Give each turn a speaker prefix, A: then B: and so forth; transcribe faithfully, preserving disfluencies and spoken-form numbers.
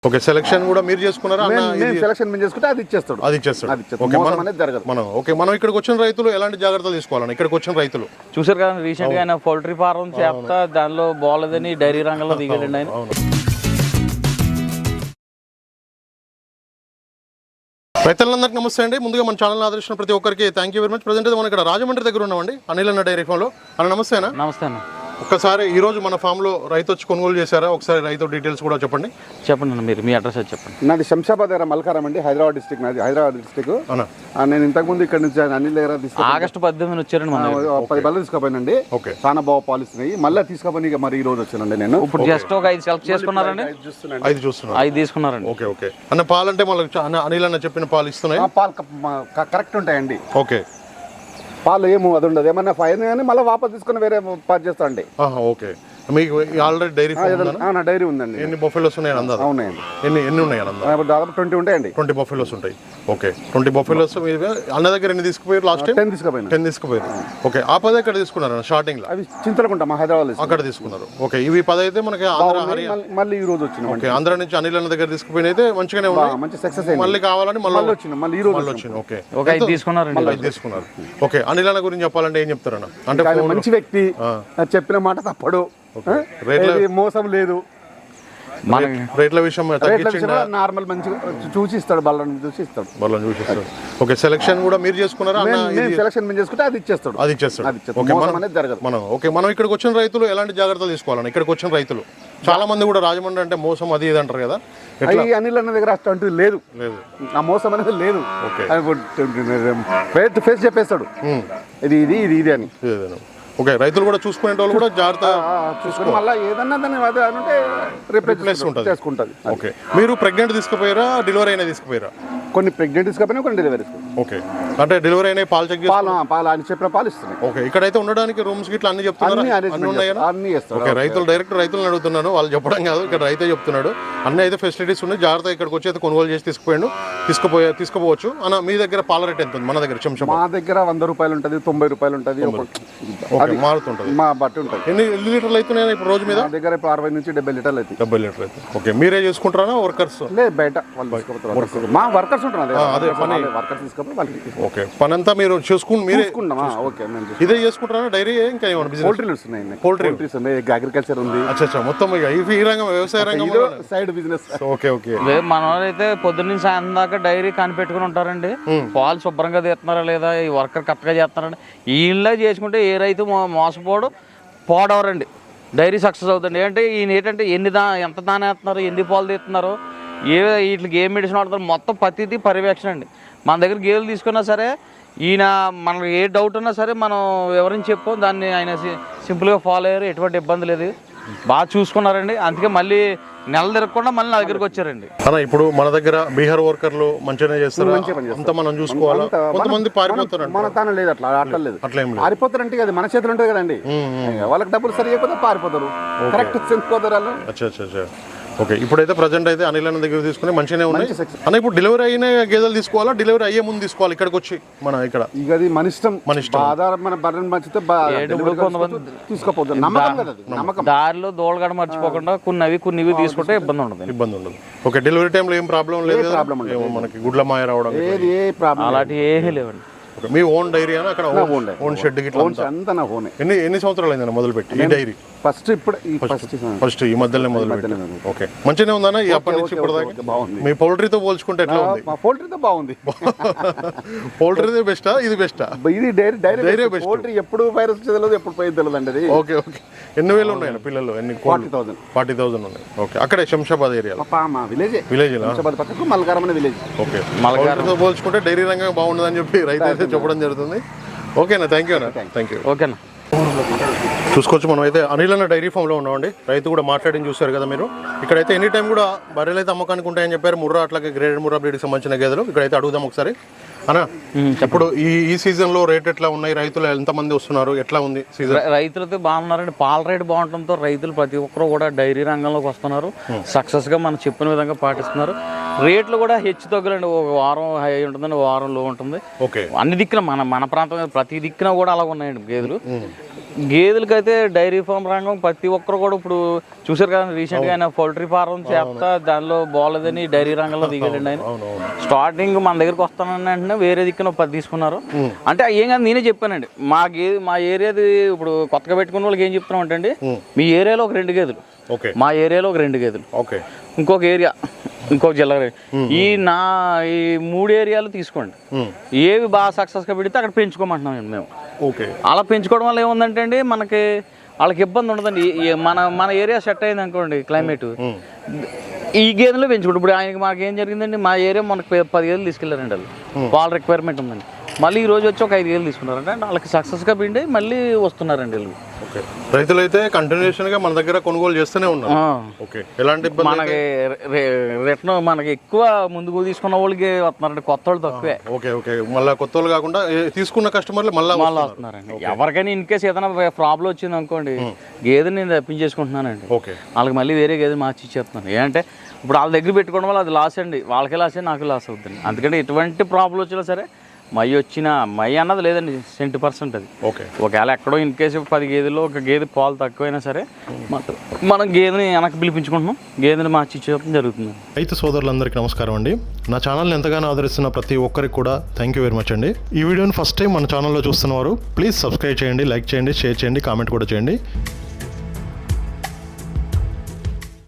A: Okay, selection కూడా మీరు చేసుకున్నారా?
B: మేము సెలక్షన్ మేము చేసుకుంటే అది ఇచ్చేస్తాడు.
A: అది ఇచ్చేస్తాడు.
B: ఓకే, మోసం అనేది జరగదు.
A: మనం ఓకే, మనం ఇక్కడికి వచ్చిన రైతులు ఎలాంటి జాగ్రత్తలు తీసుకోవాలని? ఇక్కడికి వచ్చిన రైతులు
C: చూసారు కదా, రీసెంట్ గా ఆయన పౌల్ట్రీ ఫార్మ్ చేస్తా దానిలో బాగోలేదని డైరీ రంగంలో దిగాడండి ఆయన.
A: రైతులందరికీ నమస్తే అండి. ముందుగా మన ఛానల్ ఆదర్శించిన ప్రతి ఒక్కరికి thank you very much. Present అయితే మనం ఇక్కడ రాజమండ్రి దగ్గర ఉన్నామండి, అనిల్ అన్న డైరీ ఫామ్లో. అన్న నమస్తే అన్న.
C: నమస్తే అన్న.
A: ఒక్కసారి ఈ రోజు మన ఫామ్ లో రైతు వచ్చి కొనుగోలు చేశారా? ఒకసారి రైతు డీటెయిల్స్ కూడా చెప్పండి.
C: చెప్పండి అన్న, మీరు మీ అడ్రస్ చెప్పండి.
B: నాది శంషాబాద్ దగ్గర మల్కారం అండి, హైదరాబాద్ డిస్ట్రిక్ట్. నాది హైదరాబాద్ డిస్ట్రిక్ట్. నేను ఇంతకు ముందు ఇక్కడ నుంచి అనిల్ దగ్గర
C: ఆగస్టు పద్దెనిమిది వచ్చారండి,
B: పది బళ్ళు తీసుకుపోయినండి. చాలా బాగా పాలిస్తున్నాయి. మళ్ళీ తీసుకుపోయి మరి ఈ రోజు వచ్చానండి నేను.
C: ఇప్పుడు జస్ట్ ఒక ఐదు సెలెక్ట్ చేసుకున్నారండి.
A: ఐదు చూస్తున్నారు,
C: ఐదు తీసుకున్నారండి.
A: ఓకే ఓకే అన్న. పాలు అంటే మళ్ళీ అనిల్ అన్న చెప్పిన పాలు ఇస్తున్నాయి?
B: పాలు కరెక్ట్ ఉంటాయండి.
A: ఓకే,
B: పాలు ఏమో అది ఉండదు, ఏమన్నా ఫైన్ కానీ మళ్ళీ వాపస్ తీసుకుని వేరే పాలు చేస్తా అండి.
A: ఓకే, మీకు ఆల్రెడీ డైరీ
B: డైరీ ఉందండి.
A: ఎన్ని బఫెలోస్ ఉన్నాయి?
B: అవునండి.
A: ఎన్ని ఎన్ని ఉన్నాయి?
B: దాదాపు ట్వంటీ ఉంటాయండి.
A: ట్వంటీ బఫెలోస్ ఉంటాయి. ఓకే, ట్వంటీ బఫెలోస్ అన్న దగ్గర ఎన్ని తీసుకుపోయారు? లాస్ట్ టైం
B: టెన్ తీసుకుపోయాను.
A: టెన్ తీసుకుపోయారు. ఓకే, ఆ పది ఎక్కడ తీసుకున్నారు? స్టార్టింగ్ లో
B: అవి చింతలకుంట మా హైదరాబాద్
A: అక్కడ తీసుకున్నారు. ఓకే, ఇవి పది అయితే మనకి
B: మళ్ళీ ఈ రోజు వచ్చింది.
A: ఓకే, ఆంధ్ర నుంచి అనిల్ అన్న దగ్గర తీసుకుపోయిన అయితే మంచిగానే ఉన్నాయి,
B: మంచి సక్సెస్.
A: మళ్ళీ కావాలని మళ్ళీ
B: వచ్చింది, మళ్ళీ ఈ రోజు
A: వచ్చింది. ఓకే,
C: ఒక ఐదు తీసుకున్నారు.
A: ఐదు తీసుకున్నారు. ఓకే, అనిల్ అన్న గురించి చెప్పాలంటే ఏం చెప్తారన్న? అంటే
B: మంచి వ్యక్తి, చెప్పిన మాట తప్పడు, మోసం లేదు.
A: రేట్ల విషయం
B: నార్మల్ మంచిగా చూసి ఇస్తాడు, బల్లని చూసి ఇస్తాడు.
A: బల్లని చూసి ఇస్తాడు. ఓకే, సెలక్షన్ కూడా మీరు చేసుకున్నారా?
B: సెలక్షన్ మేము చేసుకుంటే అది ఇచ్చేస్తాడు.
A: అది ఇచ్చేస్తాడు. ఓకే, మనం ఓకే, మనం ఇక్కడికి వచ్చిన రైతులు ఎలాంటి జాగ్రత్తలు తీసుకోవాలని? ఇక్కడికి వచ్చిన రైతులు చాలా మంది కూడా రాజమండ్రి అంటే మోసం అది ఇది అంటారు కదా,
B: అనిల్ అన్న దగ్గర అంటూ లేదు, లేదు ఆ మోసం అనేది లేదు. ఫేస్ టు ఫేస్ చెప్పేస్తాడు ఇది ఇది ఇది ఇది అని.
A: ఓకే, రైతులు కూడా చూసుకునే వాళ్ళు కూడా జాగ్రత్త
B: చూసుకుని మళ్ళీ ఏదన్నా దాన్ని అంటే రిప్లేస్ చేసుకుంటుంది.
A: ఓకే, మీరు ప్రెగ్నెంట్ తీసుకుపోయారా? డెలివరీ అయినా తీసుకుపోయారా?
B: కొన్ని ప్రెగ్నెంట్ తీసుకుపోయినా కొన్ని డెలివరీ.
A: ఓకే, అంటే డెలివరీ అయినా పాలు చెక్
B: పాలు పాలు అని చెప్పిన పాలు ఇస్తున్నాయి.
A: ఓకే, ఇక్కడైతే ఉండడానికి రూమ్స్ గిట్లా అన్ని చెప్తున్నారు, అన్ని ఉన్నాయా?
B: అన్ని ఇస్తారు.
A: ఓకే, రైతులు డైరెక్ట్ రైతులను అడుగుతున్నాను, వాళ్ళు చెప్పడం కాదు, ఇక్కడ రైతే చెప్తున్నాడు. అన్ని అయితే ఫెసిలిటీస్ ఉన్నాయి, జాగ్రత్త ఇక్కడికి వచ్చి అయితే కొనుగోలు చేసి తీసుకుపోయాడు, తీసుకుపోయే తీసుకుపోవచ్చు. అన్న మీ దగ్గర పాల రేట్ ఎంత ఉంది? మన దగ్గర శంషాబాద్
B: మా దగ్గర వంద రూపాయలు ఉంటుంది, తొంభై రూపాయలు ఉంటుంది,
A: మారుతుంటుంది,
B: మా బట్టి ఉంటుంది.
A: ఎన్ని ఎన్ని లీటర్లు అవుతున్నాయి ఇప్పుడు రోజు మీద?
B: మా దగ్గర ఇప్పుడు అరవై నుంచి డెబ్బై లీటర్లు అవుతాయి.
A: డెబ్బై లీటర్లు అయితే. ఓకే, మీరే చేసుకుంటారా వర్కర్స్?
B: లేదు, బయట మా వర్కర్స్ ఉంటున్నారు.
A: అదే పని
B: వర్కర్స్ తీసుకుని వాళ్ళకి.
A: ఓకే, పని అంతా మీరు చూసుకుని మీరే
B: ఓకే,
A: ఇదే చేసుకుంటారా? డైరీ ఇంకా ఏమన్నా బిజినెస్?
B: పోల్ట్రీలు వస్తున్నాయి,
A: పోల్ట్రీస్
B: ఉన్నాయి, అగ్రికల్చర్ ఉంది.
A: అచ్చా, మొత్తం ఈ రంగం వ్యవసాయ రంగం
B: సైడ్ బిజినెస్.
A: ఓకే ఓకే,
C: మన వాళ్ళైతే పొద్దున్న సాయంత్రం దాకా డైరీ కనిపెట్టుకుని ఉంటారండి. పాలు శుభ్రంగా తీస్తున్నారా లేదా, ఈ వర్కర్ కరెక్ట్గా చేస్తున్నారండి. వీళ్ళ చేసుకుంటే ఏ రైతు మోసపోడు పోడవరండి, డైరీ సక్సెస్ అవుతుంది. ఏంటంటే ఈయన ఏంటంటే ఎన్ని దా ఎంత దాని వేస్తున్నారు, ఎన్ని పాలు తీస్తున్నారు, ఏ వీటికి ఏ మెడిసిన్ వాడుతారు, మొత్తం ప్రతిదీ పర్యవేక్షణ అండి. మన దగ్గర గేదెలు తీసుకున్నా సరే ఈయన మనకు ఏ డౌట్ ఉన్నా సరే మనం ఎవరైనా చెప్పు, దాన్ని ఆయన సింపుల్గా ఫాలో అయ్యారు, ఎటువంటి ఇబ్బంది లేదు, బాగా చూసుకున్నారండి. అందుకే మళ్ళీ నెల తిరగకుండా మళ్ళీ నా దగ్గరికి వచ్చారండి.
A: అన్న ఇప్పుడు మన దగ్గర బీహార్ వర్కర్లు మంచిగానే చేస్తారు, అంత మనం చూసుకోవాలా? కొంతమంది పారిపోతారు,
B: మన తాను లేదు, అట్లా అట్లా లేదు, పారిపోతారంటే అది మన చేతులు ఉంటుంది కదండి. వాళ్ళకి డబ్బులు సరి అయిపోతే పారిపోతారు, కరెక్ట్ చెందుకోతారు వాళ్ళు.
A: అచ్చా అచ్చా, ఓకే. ఇప్పుడైతే ప్రజెంట్ అయితే అనిల్ అన్న దగ్గర తీసుకుని మంచిగానే ఉన్నాయి అన్న. ఇప్పుడు డెలివరీ అయిన గేదెలు తీసుకోవాలా, డెలివరీ అయ్యే ముందు తీసుకోవాలి ఇక్కడికి వచ్చి? మన ఇక్కడ ఇక అది మన ఇష్టం, మన ఇష్టం. మన బర్రెని మంచితే తీసుకోపోతుంది, నమ్మకం.
C: దారిలో దోళగడ మర్చిపోకుండా కొన్ని అవి కొన్ని ఇవి తీసుకుంటే ఇబ్బంది ఉండదు,
A: ఇబ్బంది ఉండదు. ఓకే, డెలివరీ టైంలో ఏం ప్రాబ్లం లేదు, మనకి గుడ్ల మాయ రావడం
C: అలాంటి ఏమీ లేవండి.
A: మీ ఓన్ డైరీ అని అక్కడ ఓన్ షెడ్ ఎన్ని ఎన్ని సంవత్సరాలు అయిందన్న మొదలు పెట్టి ఈ డైరీ?
B: ఫస్ట్ ఇప్పుడు
A: ఫస్ట్ ఈ మధ్యలో మొదలు పెట్టి. ఓకే, మంచిగానే ఉందన్న ఈ అప్పటి నుంచి ఇప్పుడు దాకా? బాగుంది. మీ పౌల్ట్రీతో పోల్చుకుంటే ఎట్లా ఉంది?
B: పౌల్ట్రీతో బాగుంది.
A: పౌల్ట్రీ బెస్టా ఇది బెస్టా?
B: ఇది డైరీ డైరీ బెస్ట్. పౌల్ట్రీ ఎప్పుడు వైరస్ తెలియదు, ఎప్పుడు పోయి తెలియదు అండి.
A: ఓకే ఓకే, ఎన్ని వేలు ఉన్నాయి పిల్లలు? ఎన్ని?
B: ఫార్టీ థౌసండ్
A: ఫార్టీ థౌసండ్ ఉన్నాయి. ఓకే, అక్కడే Shamshabad area
B: village village Shamshabad పక్కకు మల్కారం అనే విలేజ్.
A: ఓకే, పౌల్ట్రీతో పోల్చుకుంటే డైరీ రంగం బాగుండదు అని చెప్పి రైతు అయితే చెప్పడం జరుగుతుంది. ఓకేనా, థ్యాంక్ యూ అన్న, థ్యాంక్ యూ.
C: ఓకేనా,
A: చూసుకోవచ్చు. మనం అయితే అనిల్ అన్న డైరీ ఫామ్లో ఉన్నామండి. రైతు కూడా మాట్లాడి చూస్తారు కదా మీరు. ఇక్కడైతే ఎనీ టైం కూడా బర్రెలు అయితే అమ్మకానికి ఉంటాయని చెప్పారు. ముర్రా అట్లాగే గ్రేడెడ్ ముర్రా బ్రీడ్కి సంబంధించిన గేదెలు ఇక్కడైతే అడుగుదాం ఒకసారి. అన్న ఇప్పుడు ఈ ఈ సీజన్ లో రేట్ ఎట్లా ఉన్నాయి? రైతులు ఎంతమంది వస్తున్నారు? ఎట్లా ఉంది సీజన్?
C: రైతులతో బాగున్నారండి. పాల రేటు బాగుండటంతో రైతులు ప్రతి ఒక్కరు కూడా డైరీ రంగంలోకి వస్తున్నారు, సక్సెస్ గా మనం చెప్పిన విధంగా పాటిస్తున్నారు. రేట్లు కూడా హెచ్చు తగ్గులండి, ఒక వారం హై ఉంటుందండి, వారం లో ఉంటుంది.
A: ఓకే,
C: అన్ని దిక్కున మన మన ప్రాంతం ప్రతి దిక్కున కూడా అలా ఉన్నాయండి గేదెలు. గేదెలకైతే డైరీ ఫామ్ రంగం ప్రతి ఒక్కరు కూడా ఇప్పుడు చూసారు కదా రీసెంట్ గా ఆయన పౌల్ట్రీ ఫారం చేస్తా దానిలో బాగోలేదని డైరీ రంగంలో దిగాడండి ఆయన. స్టార్టింగ్ మన దగ్గరకు వస్తానని అంటే వేరే దిక్కున పది తీసుకున్నారు. అంటే ఏం కాదు నేనే చెప్పానండి మా గేదె మా ఏరియాది ఇప్పుడు కొత్తగా పెట్టుకున్న వాళ్ళకి ఏం చెప్తున్నాం అంటే అండి మీ ఏరియాలో ఒక రెండు గేదెలు, మా ఏరియాలో ఒక రెండు గేదెలు, ఇంకొక ఏరియా ఇంకొక జిల్లా, ఈ నా ఈ మూడు ఏరియాలు తీసుకోండి, ఏవి బాగా సక్సెస్గా పెడితే అక్కడ పెంచుకోమంటున్నాం మేము.
A: ఓకే,
C: అలా పెంచుకోవడం వల్ల ఏముందంటే అండి మనకి వాళ్ళకి ఇబ్బంది ఉండదండి. మన మన ఏరియా సెట్ అయింది అనుకోండి క్లైమేట్, ఈ గేదెలు పెంచుకుంటాం. ఇప్పుడు ఆయనకి మాకు ఏం జరిగిందండి మా ఏరియా మనకి పది గేదెలు తీసుకెళ్లారండి వాళ్ళు, వాళ్ళ రిక్వైర్మెంట్ ఉందండి. మళ్ళీ ఈ రోజు వచ్చి ఒక ఐదు గేదెలు తీసుకున్నారంటే వాళ్ళకి సక్సెస్గా పిండి మళ్ళీ వస్తున్నారండి వీళ్ళు.
A: ఓకే, రైతులైతే కంటిన్యూషన్ గా మన దగ్గర కొనుగోలు చేస్తూనే ఉన్నారు. ఓకే, ఎలాంటి ఇబ్బంది
C: మనకి రిటర్న్ మనకి ఎక్కువ ముందుకు తీసుకున్న వాళ్ళకి వస్తున్నారండి, కొత్త వాళ్ళు తక్కువే.
A: ఓకే ఓకే, మళ్ళీ కొత్త వాళ్ళు కాకుండా తీసుకున్న కస్టమర్లు మళ్ళీ
C: మళ్ళీ వస్తున్నారండి. ఎవరికైనా ఇన్ కేసు ఏదైనా ప్రాబ్లం వచ్చింది అనుకోండి గేదెని నేను రప్పించేసుకుంటున్నానండి,
A: ఓకే
C: వాళ్ళకి మళ్ళీ వేరే గేదె మార్చి ఇచ్చేస్తున్నాను. ఏంటంటే ఇప్పుడు వాళ్ళ దగ్గర పెట్టుకోవడం వల్ల అది లాస్ అండి, వాళ్ళకే లాస్ నాకు లాస్ అవుతుంది. అందుకంటే ఎటువంటి ప్రాబ్లం వచ్చినా సరే మై వచ్చిన మై అన్నది లేదండి సెంటీ పర్సెంట్ అది.
A: ఓకే,
C: ఒకవేళ ఎక్కడో ఇన్ కేసు పది గేదెల్లో ఒక గేదె పాలు తక్కువైనా సరే మనం గేదెని వెనక్కి పిలిపించుకుంటున్నాం, గేదెని మార్చి ఇచ్చేయడం జరుగుతుంది.
A: రైతు సోదరులందరికీ నమస్కారం అండి. నా ఛానల్ని ఎంతగానో ఆదరిస్తున్న ప్రతి ఒక్కరికి కూడా థ్యాంక్ యూ వెరీ మచ్ అండి. ఈ వీడియోని ఫస్ట్ టైం మన ఛానల్లో చూస్తున్నవారు ప్లీజ్ సబ్స్క్రైబ్ చేయండి, లైక్ చేయండి, షేర్ చేయండి, కామెంట్ కూడా చేయండి.